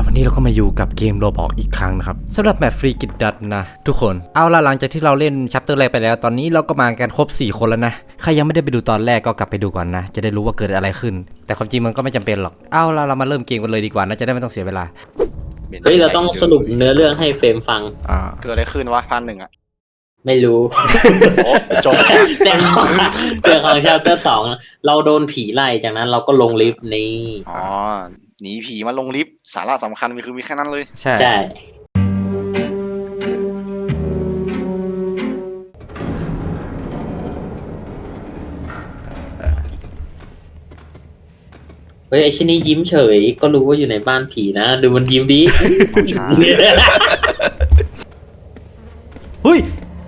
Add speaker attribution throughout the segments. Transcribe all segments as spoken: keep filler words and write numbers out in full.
Speaker 1: วันนี้เราก็มาอยู่กับเกมโรบอกอีกครั้งนะครับสำหรับแมปฟรีกิดดัตนะทุกคนเอาละหลังจากที่เราเล่นชัปเตอร์แรกไปแล้วตอนนี้เราก็มากันครบสี่คนแล้วนะใครยังไม่ได้ไปดูตอนแรกก็กลับไปดูก่อนนะจะได้รู้ว่าเกิดอะไรขึ้นแต่ความจริงมันก็ไม่จำเป็นหรอกเอาละเรามาเริ่มเกมกันเลยดีกว่านะจะได้ไม่ต้องเสียเวลา
Speaker 2: เฮ้ยเราต้องสรุปเนื้อเรื่องให้เฟรมฟัง
Speaker 1: อ่า
Speaker 3: เกิดอะไรขึ้นวะพันหนึ่งอ่ะ
Speaker 2: ไม่รู้
Speaker 3: จบ
Speaker 2: แต่ของแต่ของชาปเตอร์สองเราโดนผีไล่จากนั้นเราก็ลงลิฟต์นี่
Speaker 3: อ๋อหนีผีมาลงลิฟต์สาระสำคัญมีคือมีแค่นั้นเลย
Speaker 1: ใช่
Speaker 2: ใช่เฮ้ยไอชิ้นนี้ยิ้มเฉยก็รู้ว่าอยู่ในบ้านผีนะดูมันยิ้มดิ
Speaker 1: เฮ้ย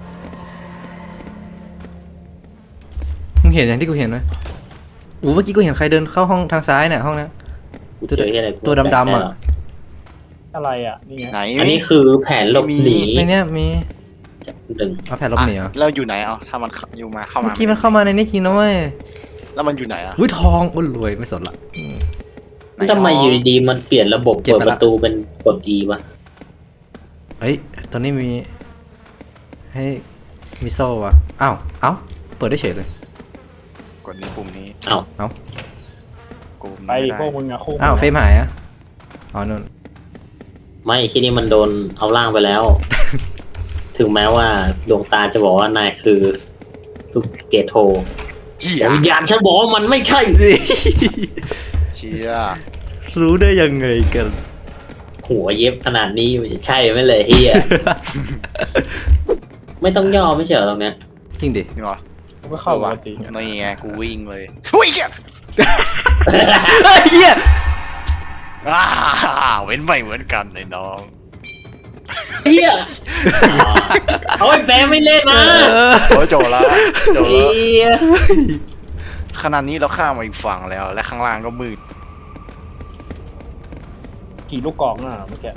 Speaker 1: มึงเห็นอย่างที่กูเห็นไหมโอ้เมื่อกี้กูเห็นใครเดินเข้าห้องทางซ้ายเนี่ยห้องนี้
Speaker 2: ตัว
Speaker 1: ตัวดำๆอ่ะ
Speaker 4: อะไรอ่ะนี่ไง
Speaker 2: อันนี้คือแผนหลบหนี
Speaker 1: ในเนี้ยมี
Speaker 2: หนึ่ง
Speaker 1: เอาแผนหลบหนีเหรอ
Speaker 3: เราอยู่ไหนเอาถ้ามันอยู่มาเข้ามา
Speaker 1: เมื่อกี้มันเข้ามาในนี้จริงนะเว้ย
Speaker 3: แล้วมันอยู่ไหนอ่ะ
Speaker 1: อุ้ยทองอุ้ยรวยไม่สนละ
Speaker 2: ทำไมอยู่ดีๆมันเปลี่ยนระบบเปิดประตูเป็นกด E วะ
Speaker 1: เฮ้ยตอนนี้มีให้มีโซ่อะอ้าวเอ้าเปิดได้เฉยเลย
Speaker 3: กดนี้ปุ่มนี้
Speaker 2: เอ้า
Speaker 1: เอ้า
Speaker 4: ไปพวกมึงอะคู่
Speaker 1: อ้าวเฟรมหายอะอ๋อนู่น
Speaker 2: ไม่ที่นี่มันโดนเอาล่างไปแล้ว ถึงแม้ว่าดวงตาจะบอกว่านายคือสุเกโทแต่วิญญาณฉันบอกว่ามันไม่ใช่
Speaker 3: เชีย
Speaker 1: รู้ได้ยังไงกัน
Speaker 2: หัวเย็บขนาดนี้มันจะใช่ไหมเลยเฮีย ไม่ต้องย่อไม่เฉยตรงเนี้ย
Speaker 1: จริงดิ
Speaker 3: นี่วะ
Speaker 4: ก็เข้าปกติ
Speaker 3: นี่ไงกูวิ่งเลยหุ้ยเฮีย
Speaker 1: เฮีย
Speaker 3: อ้าเว้นไปเหมือนกันเลยน้อง
Speaker 2: เฮียเอาไอ้แปไม่เล่นนะ
Speaker 3: โอ้โจละโจละขนาดนี้เราข้ามมาอีกฝั่งแล้วและข้างล่างก็มืด
Speaker 4: กี่ลูกกองน่ะเมื่อกี้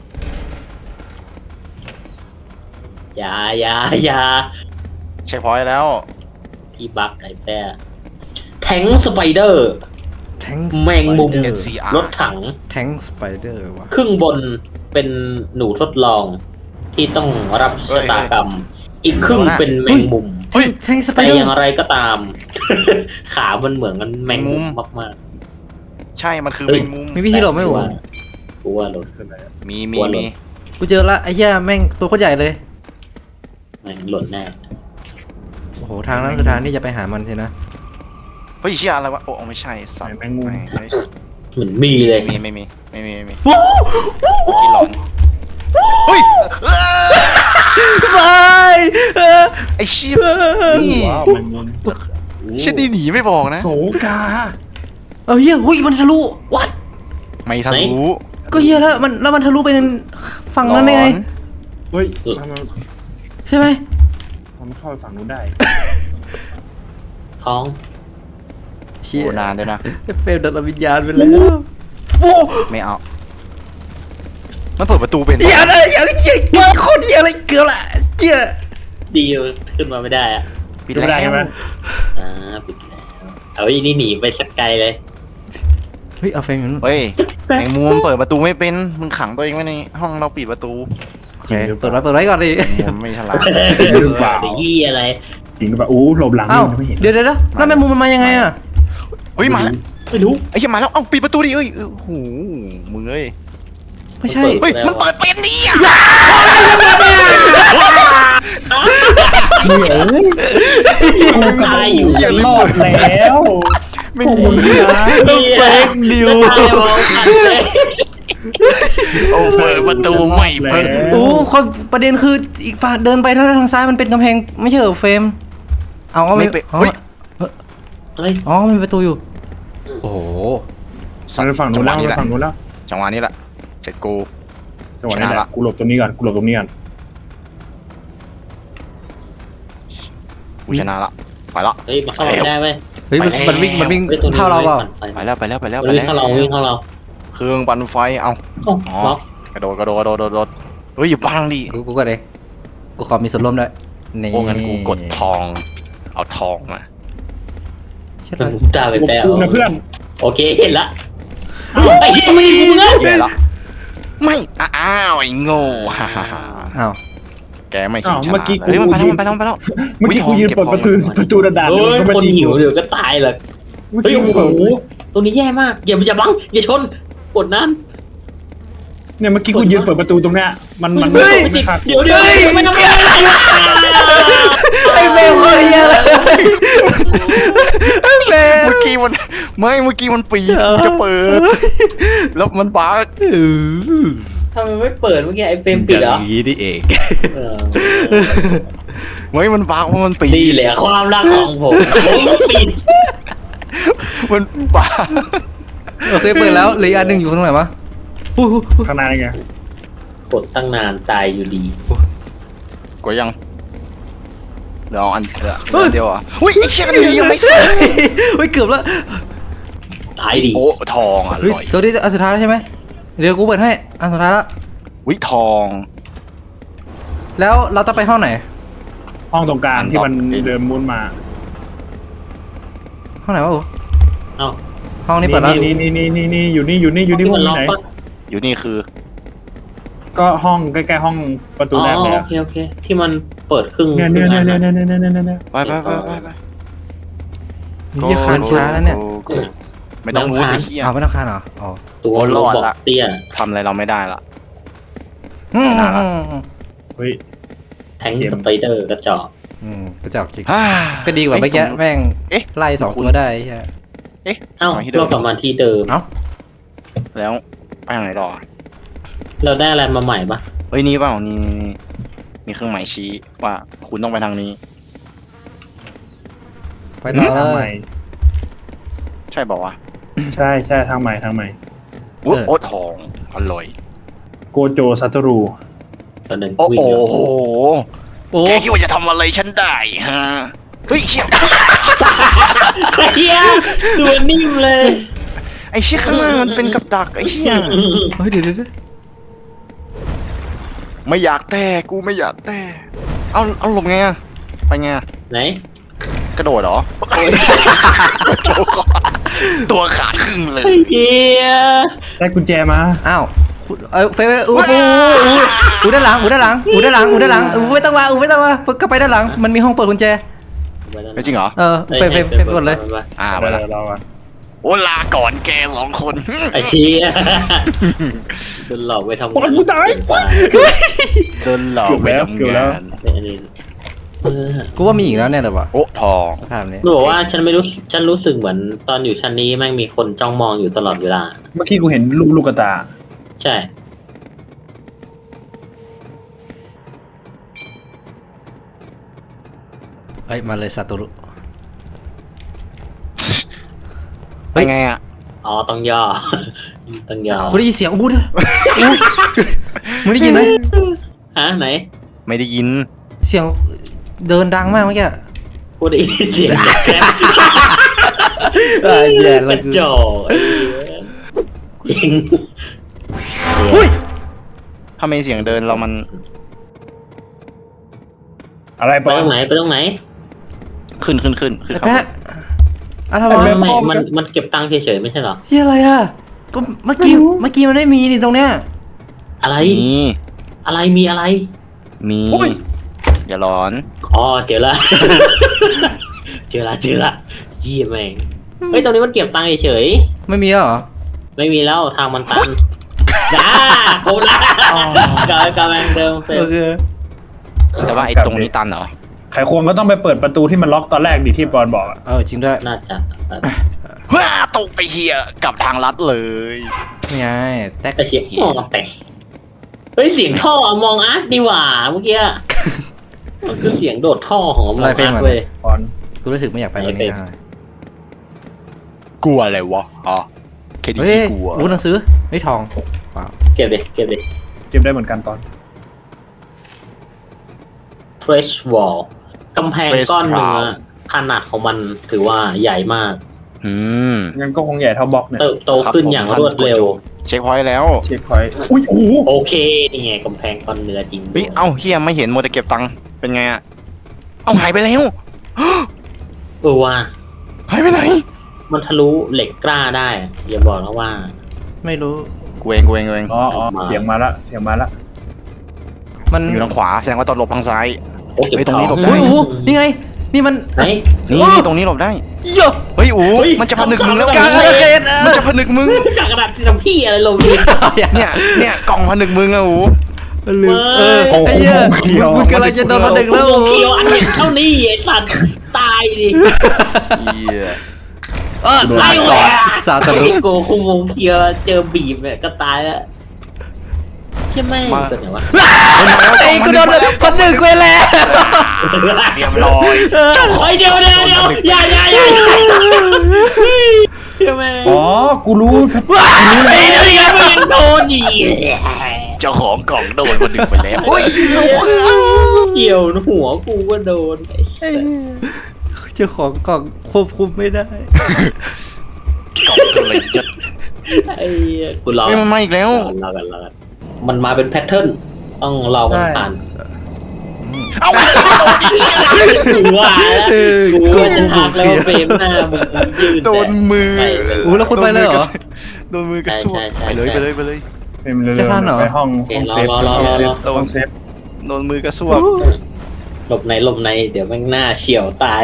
Speaker 2: อย่าอย่าอย่า
Speaker 3: เช็คพอยต์แล้ว
Speaker 2: พี่บักไอ้แป้แทงสไปเดอร์
Speaker 1: แทง
Speaker 2: แมงมุมรถถัง
Speaker 1: แทงสไปเดอร์วะ
Speaker 2: ครึ่งบนเป็นหนูทดลองที่ต้องรับชะตากรรมอีกครึ่งเป็นแมงมุม
Speaker 1: แทงสไปเดอร์
Speaker 2: แต่อย่างไรก็ตาม ขามันเหมือนกันแมงมุมมาก
Speaker 3: ๆใช่มันคือแมงมุม
Speaker 1: มีวิธีหลบไหมวะ
Speaker 2: กูว่าหลบ
Speaker 3: มีมีมี
Speaker 1: กูเจอละไอ้เหี้ยแม่งตัวโคตรใหญ่เลย
Speaker 2: แม่งหล่นแน่
Speaker 1: โอ้โหทางนั้นคือทางที่จะไปหามันใช่นะ
Speaker 3: เฮ้ยเชี่ยอะไรวะโอ้ไม่ใช่สัตว์
Speaker 4: แมงมุม
Speaker 2: เหมือนมีเลย
Speaker 3: มีไม่มีไม่มีไม่มีเฮ้ย
Speaker 1: ไป
Speaker 3: ไอ้ชิบนี่ชิบดีหนีไม่บอกนะ
Speaker 4: โสกา
Speaker 1: เออเฮียหุ้ยมันทะลุวัด
Speaker 3: ไม่ทะลุ
Speaker 1: ก็เฮียแล้วมันแล้วมันทะลุไปฝั่งนั้นได้ไง
Speaker 4: เฮ้ย
Speaker 1: ใช่ไหม
Speaker 4: มันเข้าฝั่งนู้นได้
Speaker 2: ท้อง
Speaker 3: เชี่ยนานด้วยนะ
Speaker 1: เฟลดับวิญญาณไปแล้วโอ้
Speaker 3: ไม่เอามันเปิดประตูเป็น
Speaker 1: อย่าเลยอย่าเลยเกี่ยโคตรอย่าเลยเกือบละเกี่ย
Speaker 2: ดีขึ้นมาไม่ได้อะ
Speaker 3: ปิดได้ไหม
Speaker 2: อ่าปิดแล้วเอาอีนี่หนีไปสักไกลเลย
Speaker 1: เฮ้ยเอาเฟรมอยู่นู่น
Speaker 3: เฮ้ยแมงมุมเปิดประตูไม่เป็นมึงขังตัวเองไว้ในห้องเราปิดประตู
Speaker 1: โอเคเปิดไว้เปิดไว้ก่อนดิ
Speaker 3: ไม่ฉลาด
Speaker 4: หรือเปล่า
Speaker 2: ยี่อะไร
Speaker 4: จริงหรือเปล่าอู้หลบหลัง
Speaker 1: ไม่เห็นเดี๋ยวเดี๋ยวแล้วแมงมุมมันมายังไงอ่ะ
Speaker 3: เฮ้ยมา
Speaker 4: ไม่รู้
Speaker 3: ไอ้ยังมาแล้วเอ้าปิดประตูดิเอ้ยโอ้โหมึงเอ้ย
Speaker 1: ไม่ใช่
Speaker 3: เฮ้ยมันเปิดเป็นนี่อ่ะ
Speaker 4: กูตายอยู่ยังรอดแล้วไม่ดีนะ
Speaker 1: เฟกนิว
Speaker 3: โอ้เปิดประตูไม่เปิด
Speaker 1: โอ้ความประเด็นคืออีกฝั่งเดินไปทางซ้ายมันเป็นกำแพงไม่ใช่เหรอเฟรมเอาไม่ไปเฮ้ย
Speaker 2: อะไร
Speaker 1: อ๋อมีประตูอยู่โอ้โห
Speaker 4: ฝั่งนู้นแล้วฝั่งนู้นแล้ว
Speaker 3: จังหวะนี้แหละเสร็จกู
Speaker 4: จังหวะนี้แหละกูหลบตรงนี้ก่อนกูหลบตรงนี้ก่อน
Speaker 3: กูชนะละไปละ
Speaker 2: เฮ้ยมาเข้าไม่ได้ไหม
Speaker 1: เฮ้ยมันวิ่งมันวิ่งเท่าเราเปล่า
Speaker 3: ไปแล้วไปแล้วไปแล้ว
Speaker 2: ไปแล้ววิ่งเข้าเราวิ่งเข้าเรา
Speaker 3: เครื่องปั่นไฟเอาอ๋อกระโดดกระโดดกระโดดกระโดดเฮ้ยอย่าบังดิ
Speaker 1: กูกูก็เลยกูขอมีส่วนร่วมด้วย
Speaker 3: นี่โอ้งั้นกูกดทองเอาทองมา
Speaker 2: กูตาไปแล้ว
Speaker 4: นะเพื่อน
Speaker 2: โอเคเห็นละไอ้ที่มีกูเงิน
Speaker 3: เห็นละไม่อ้าวไอ้โง่ฮ่าฮ่าฮ่า
Speaker 1: อ้าว
Speaker 3: แกไม่ชิงชนะ
Speaker 4: เมื่อกี้กู
Speaker 3: เฮ้ยมันไปแล้วมันไปแล้วมันไปแล้ว
Speaker 4: เมื่อกี้กูยืนเปิดประตูประตูด่าน
Speaker 2: เฮ้ย
Speaker 4: ก็ไม่
Speaker 2: คน
Speaker 4: ตี
Speaker 2: หิว
Speaker 4: กู
Speaker 2: เดี๋ยวก็ตายเลย
Speaker 4: เมื่อ
Speaker 2: เฮ้ย
Speaker 4: กี้
Speaker 2: โอ้
Speaker 4: กู
Speaker 2: โห
Speaker 4: เปิด
Speaker 2: ตัวนี้แย่มากอย่าอย่าบังอย่าชนกดนั่น
Speaker 4: เนี่ยเมื่อกี้กูยืนเปิดประตูตรงเนี้ยมันมัน
Speaker 2: เฮ้ย
Speaker 4: ไม่ขาด
Speaker 2: เดี๋ยวเดี๋ยวไม่ทำอะไร
Speaker 1: ไอ้เบลคนเฮียเลยไอ้เบล
Speaker 3: เมื่อกี้มันไม่เมื่อกี้มันปีดกูจะเปิดแล้วมันบั๊ก
Speaker 2: ทำไมไม่เปิดเมื่อกี้ไอ้เฟรมปิดเหรอ
Speaker 1: อย่างนี้นี่เอง
Speaker 2: เออ
Speaker 3: ไม่มันบั๊กเพราะมันปี
Speaker 2: ดี
Speaker 3: ด
Speaker 2: เลยความรักของผมผมปิด
Speaker 3: มันบั๊ก
Speaker 1: โอเคเปิดแล้วเหลืออีกอันหนึ่งอยู่ตรงไหนวะอู้หู
Speaker 4: ข้างในไง
Speaker 2: กดตั้งนานตายอยู่ดี
Speaker 3: กดยังเดี๋ยวเอาอันเดียวอันเดียวอ่ะอุ้ยไอ้เชี่ยกันดียังไม่เสร็จ
Speaker 1: เฮ้ยเกือบแล้ว
Speaker 2: ตายดี
Speaker 3: โอ้ทองอ
Speaker 1: เฮ้ย
Speaker 3: ร่อย
Speaker 1: ตัวนี้อันสุดท้ายแล้วใช่ไหมเดี๋ยวกูเปิดให้อันสุดท้ายแล้ว
Speaker 3: วิทอง
Speaker 1: แล้วเราต้องไปห้องไหน
Speaker 4: ห้องตรงกลางที่มันเดินมุนมา
Speaker 1: ห้องไหนวะโอ้
Speaker 2: เอ้า
Speaker 1: ห้องนี้เปิดแล้ว
Speaker 4: นี่นี่นี่นี่นี่อยู่นี่อยู่นี่อยู่นี่
Speaker 2: ที่
Speaker 4: ห้
Speaker 2: มั
Speaker 4: อง
Speaker 2: นล็อก
Speaker 4: ไหน
Speaker 2: ปะ
Speaker 3: อยู่นี่คือ
Speaker 4: ก็ห้องใกล้ๆห้องประตู
Speaker 2: อ๋อ
Speaker 4: แรกเลย
Speaker 2: โอเคโอเคที่มันเปิดครึ่ง
Speaker 4: เนี่ย
Speaker 2: ครึ่
Speaker 4: เนี่ย
Speaker 2: ง
Speaker 4: เนี่ย
Speaker 2: อัน
Speaker 4: เนี่ย
Speaker 2: อะ
Speaker 4: เนี่ยเนี่ยเนี่ยเนี่ย
Speaker 3: ไปไปไปไปไป
Speaker 1: นี่คานช้าแล้วเนี่ย
Speaker 3: โอ้โหไม่ต้องรู้ไอ้เหี้ย
Speaker 1: อ้าวไม่ต้องคานเหรออ๋อ
Speaker 2: ตัว
Speaker 3: โอ้
Speaker 2: โล
Speaker 3: รอด
Speaker 2: บอก
Speaker 3: ละ
Speaker 2: เตี้ย
Speaker 3: ทำอะไรเราไม่ได้ละ
Speaker 1: อืม
Speaker 3: ไม่น่าละ
Speaker 4: เฮ้ย
Speaker 2: แทงสไปเดอร์กระจอก
Speaker 1: อืมกระจอกจริง
Speaker 3: ฮ่า
Speaker 1: ก็ดีกว่าเมื่อกี้แม่ง
Speaker 3: เอ๊ะ
Speaker 1: ไล่สองตัวได้ใช่
Speaker 3: เอ๊ะ
Speaker 2: เอ้า
Speaker 3: มาที่เดิม
Speaker 2: เรากลับมาที่เดิม
Speaker 1: เอ้า
Speaker 3: แล้วไปทางไหนต่อ
Speaker 2: เราได้อะไรมาใหม่ปะ
Speaker 3: เฮ้ยนี่เปล่านี่นี่นี่มีเครื่องหมายชี้ว่าคุณต้องไปทางนี้
Speaker 1: ไปต่อ
Speaker 4: ทาง
Speaker 1: เล
Speaker 4: ใหม่
Speaker 1: ย
Speaker 3: ใช่บอกว่าว
Speaker 4: ใช่ใช่ทางใหม่ทางใหม่
Speaker 3: ะอุ๊ย
Speaker 1: เออ
Speaker 3: โอ้ทองอร่อย
Speaker 4: โกโจซัตรู
Speaker 2: ตอนหนึ่ง
Speaker 3: โอ้
Speaker 2: วิ่ง
Speaker 3: โห
Speaker 2: เร็ว
Speaker 1: โอ้
Speaker 3: แกคิดว่าจะทำอะไรฉันได้ฮะเฮ้ยเชี่ย
Speaker 2: เฮียตัวนิ่มเลย
Speaker 3: ไอ้เชี่ยข้างหน้ามันเป็นกับดักไอ้เชี่ย
Speaker 1: เฮ้ยเดี๋ยวเดี๋ยวเดี๋ยว
Speaker 3: ไม่อยากแต่กูไม่อยากแต่เอาเอาหลบไงอะไปไงอะ
Speaker 2: ไหน
Speaker 3: กระโดดเหรอโจกก่อนตัวขาดครึ่งเลย
Speaker 2: เฮีย
Speaker 4: ได้กุญแจมา
Speaker 1: อ้าวเออเฟยอู้อู้อู้อู้ด้านหลังอู้ด้านหลังอู้ด้านหลังอู้ด้านหลังอู้ไม่ต้องมาอู้ไม่ต้องมาก็ไปด้านหลังมันมีห้องเปิดกุญแจ
Speaker 3: ไม่จริงเหรอ
Speaker 1: เออเฟยเฟยเฟยกดเลย
Speaker 3: อ่า
Speaker 4: ไป
Speaker 3: ไป
Speaker 4: แล้
Speaker 3: ละ
Speaker 4: วเราอะ
Speaker 3: โอ้ลาก่อนแกสองคน
Speaker 2: ไอ้เชี่ยโดนหลอกไปทำงาน
Speaker 4: กูตาย
Speaker 3: โดนหลอกไปทำงาน
Speaker 2: เป็นอันนี้เออ
Speaker 1: กูว่ามีอีกแล้วเนี่ยเลยวะ
Speaker 3: โอ้ทอง
Speaker 1: สภาพนี้
Speaker 2: หนูบอกว่าฉันไม่รู้ฉันรู้สึกเหมือนตอนอยู่ชั้นนี้แม่งมีคนจ้องมองอยู่ตลอดเวลา
Speaker 4: เมื่อกี้กูเห็นลูกลูกกระตา
Speaker 2: ใช่
Speaker 1: เฮ้ยมาเลยซาโตรุ
Speaker 3: ไปไงอ่ะ
Speaker 2: อ๋อต้องย่อ ต้องย่อ
Speaker 1: กูได้ยินเสียงอู้ด้วยอู้มึงได้ยินไหม
Speaker 2: ฮะไหน
Speaker 3: ไม่ได้ยิน
Speaker 1: เสียงเดินดังมากเมื่อกี้
Speaker 2: พูดได้ยินเสียงแกรบ
Speaker 1: อ่าแย่
Speaker 2: ก
Speaker 1: เล
Speaker 2: ระ
Speaker 1: ย
Speaker 2: จอกไอ้เหี้ยจริง
Speaker 1: อุ้ย
Speaker 3: ทำไมเสียงเดินเรามัน
Speaker 4: อะไร
Speaker 2: ไป
Speaker 4: ปะ
Speaker 2: ตรงไหนไปตรงไหน
Speaker 3: ขึ้นขึ้นขึ้นขึ้นครับ
Speaker 1: แปะอะไร
Speaker 2: ไม่
Speaker 1: วะ
Speaker 2: ไม่มันมันเก็บตังค์เฉยๆไม่ใช่เหรอ
Speaker 1: ที่อะไรอ่ะก็เมื่อกี้เมื่อกี้มันไม่มีนี่ตรงเนี้ย
Speaker 2: อะไร
Speaker 3: มี
Speaker 2: อะไรมีอะไร
Speaker 3: มีอย่าร้อน
Speaker 2: อ๋อเจอละ เจอละเจอละเยี่ยแม่งเฮ้ยตรงนี้มันเก็บตังค์เฉย
Speaker 1: ไม่มีแล้วเหรอ
Speaker 2: ๆไม่มีแล้วทางมันตันจ้าโคละกำกำลังเดิมเฟรม
Speaker 1: โอเค
Speaker 3: แต่ว่าไอ้ตรงนี้ตันเหรอ
Speaker 4: ไขควงก็ต้องไปเปิดประตูที่มันล็อกตอนแรกดิที่ปอนบอกอะ
Speaker 1: เออจริงด้วย
Speaker 2: น่าจะ
Speaker 3: ว้าตกไปเฮียกลับทางลัดเลย
Speaker 1: นี่ไงแตก
Speaker 2: ไอเสียงมองแต่เฮ้ยเสียงท่อมองอาร์ตดีหว่าเมื่อกี้มันคือเสียงโดดท่อของมองอาร์ตเว้ย
Speaker 4: ปอน
Speaker 1: กูรู้สึกไม่อยากไปวันนี้นะ
Speaker 3: กลัวอะไรวะอ๋อแค่นี้
Speaker 1: เฮ้ย
Speaker 3: กลัว
Speaker 1: รู้หนังสือไม่ทองเปล่า
Speaker 2: เก็บดิเก็บดิ
Speaker 4: เจ็บได้เหมือนกันตอน
Speaker 2: fresh wall กำแพงก้อนเนื้อขนาดของมันถือว่าใหญ่มาก
Speaker 3: อืม
Speaker 4: งั้นก็คงใหญ่เท่าบล็อกเนี่ย
Speaker 2: เติบโตขึ้นอย่างรวดเร็ว
Speaker 3: เช็คพอยต์แล้ว
Speaker 4: เช็คพอยต์อุ้ยโอ้โห
Speaker 2: โอเคนี่ไงกำแพงก้อนเนื้อจริง
Speaker 3: เฮ้ยเอ้าเฮียไม่เห็นโมเดลเก็บตังค์เป็นไงอ่ะเอ้าหายไปแล้ว
Speaker 2: เออว่า
Speaker 3: หายไปไหน
Speaker 2: มันทะลุเหล็กกล้าได้อย่าบอกนะว่า
Speaker 1: ไม่รู้
Speaker 3: กูเองกูเองกูเอง
Speaker 4: อ๋ออ๋อเสียงมาละเสียงมาละ
Speaker 1: มัน
Speaker 3: อยู่ทางขวาแสดงว่าตอนหลบทางซ้าย
Speaker 2: โอ้เก็บ
Speaker 3: เฮ้ยตรงนี้หลบได้
Speaker 1: อุ้ยอู้นี่ไง นี่มัน
Speaker 2: ไหน
Speaker 3: นี่นี่ตรงนี้หลบได้
Speaker 1: เยอะ
Speaker 3: เฮ้ยอูมันจะผนึกมึงแล้ว
Speaker 1: กลางอาณาเขต
Speaker 3: มันจะผนึกมึง
Speaker 2: จากกระดาษที่ทำพี่อะไรลงดิ
Speaker 3: เนี่ยเนี่ยกล่องผนึกมึงอะอู
Speaker 1: ลืมเออไอ้เหี้ยมึงกำลังจะโดนมาดึงแล้ว
Speaker 2: โมเคียวอันเห็นเท่านี้ไอ้สัตว์ตายดิ
Speaker 3: เหี้ย
Speaker 1: เออไล่
Speaker 2: ไล่
Speaker 1: ก่
Speaker 2: ก่
Speaker 1: อ
Speaker 2: อน น
Speaker 1: ซาตารุ
Speaker 2: ไอ้โกคุโมเคียวเจอบีบเนี่ยก็ตายแล้วใช่ไหมเป็นไงวะ
Speaker 1: ไอ้กูโดนคนหนึ่งไปแล้ว
Speaker 3: เรียบร้อย
Speaker 2: เฮ้ยเดี๋ยวเดี๋ยวเดี๋ยวอย่าอย่าอย่าใช่ไหม
Speaker 4: อ๋อกูรู้
Speaker 2: ไอ้เดี๋ยวเดี๋ยวมันโดนอีก
Speaker 3: เจ้าของกล่องโดนผนึกไปแล้วเฮ้ย
Speaker 2: เกี่ยวหัวกูก็โดน
Speaker 1: เจ้าของกล่องควบคุมไม่ได้
Speaker 3: กล่องอะไรจะ
Speaker 2: ไอ้กูรอ
Speaker 3: เฮ้ยมันมาอีกแล้ว
Speaker 2: รอกันรอกันมันมาเป็นแพทเทิร์นต้องรอมันผ่าน
Speaker 3: เอาไปโดนอีก
Speaker 2: กูว่าแล้วกูว่าจะทักแล้วว่าเฟรมหน้ามึงยืน
Speaker 3: โดนมือ
Speaker 1: อู้แล้วคุณไปเลยเหรอ
Speaker 3: โดนมือกระซวกไปเลยไปเลยไปเลย
Speaker 4: เป็นเร็ว
Speaker 1: จะทันเหรอ
Speaker 4: ไปห้องห้องเซฟห้องเซฟ
Speaker 3: โดนมือกระซวก
Speaker 2: หลบในหลบในเดี๋ยวแม่งหน้าเฉียวตาย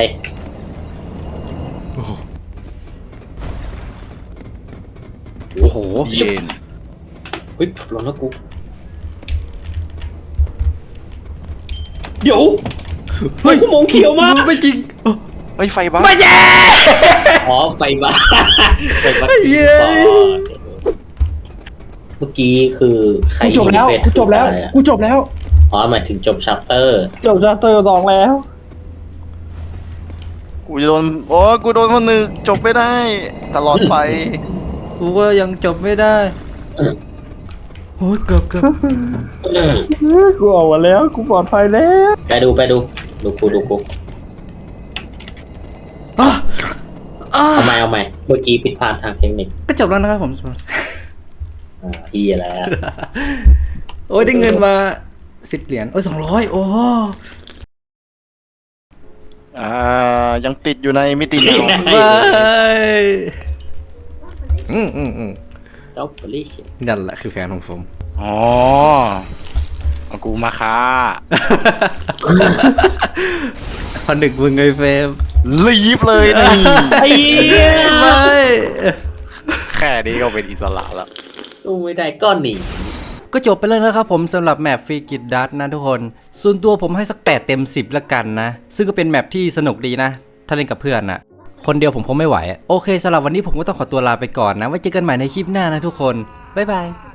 Speaker 1: โอ้โห
Speaker 3: เย็น
Speaker 2: เฮ้ยลงแล้วกูเดี๋ยวเฮ้ยกูมองเขียวมาก
Speaker 1: ไม่จริง
Speaker 3: เฮ้ยไฟบ้า
Speaker 1: ไม่แย่
Speaker 2: อ๋อไฟบ้าไฟบ้า
Speaker 1: เย้
Speaker 2: เมื่อกี้คือใคร
Speaker 4: กูจบแล้วกูจบแล้วกูจบแล้ว
Speaker 2: อ๋อหมายถึงจบชัปเตอร์
Speaker 4: จบจากเตอร์สองแล้ว
Speaker 3: กูจะโดนโอ้กูโดนคนหนึ่งจบไม่ได้ ตลอดไป
Speaker 1: กูก็ยังจบไม่ได้โอ้ยเกือบเกือบ
Speaker 4: กูออกมาแล้วกูปลอดภัยแล้ว
Speaker 2: ไปดูไปดูดูกูดูกู
Speaker 1: อ่ะอ่ะ
Speaker 2: เอาใหม่เอาใหม่เมื่อกี้ผิดพลาดทางเทคนิค
Speaker 1: ก็จบแล้วนะครับผม
Speaker 2: อ่าที่แล้ว
Speaker 1: โอ้ยได้เงินมาสิบเหรียญโอ้ยสองร้อยโอ้
Speaker 3: อ่ายังติดอยู่ในมิติเงา
Speaker 1: ไม่อืมอืมอืม
Speaker 2: จบลิช
Speaker 1: นั่นแหละคือแฟนของผม
Speaker 3: อ๋อเอากูมาค้า
Speaker 1: พอหนึ่งมึงไงเฟรม
Speaker 3: ลีฟเลยนี่
Speaker 2: ไอ้เหี้ย
Speaker 1: ไม่
Speaker 3: แค่นี้ก็เป็นอิสระแล้ว
Speaker 2: ตู้ไม่ได้ก็หนี
Speaker 1: ก็จบไปแล้วนะครับผมสำหรับแมปฟรีกิดดัตนะทุกคน ส่วนตัวผมให้สักแปดเต็มสิบละกันนะ ซึ่งก็เป็นแมปที่สนุกดีนะ ถ้าเล่นกับเพื่อนนะคนเดียวผมคงไม่ไหว โอเคสำหรับวันนี้ผมก็ต้องขอตัวลาไปก่อนนะ ไว้เจอกันใหม่ในคลิปหน้านะทุกคน บ๊ายบาย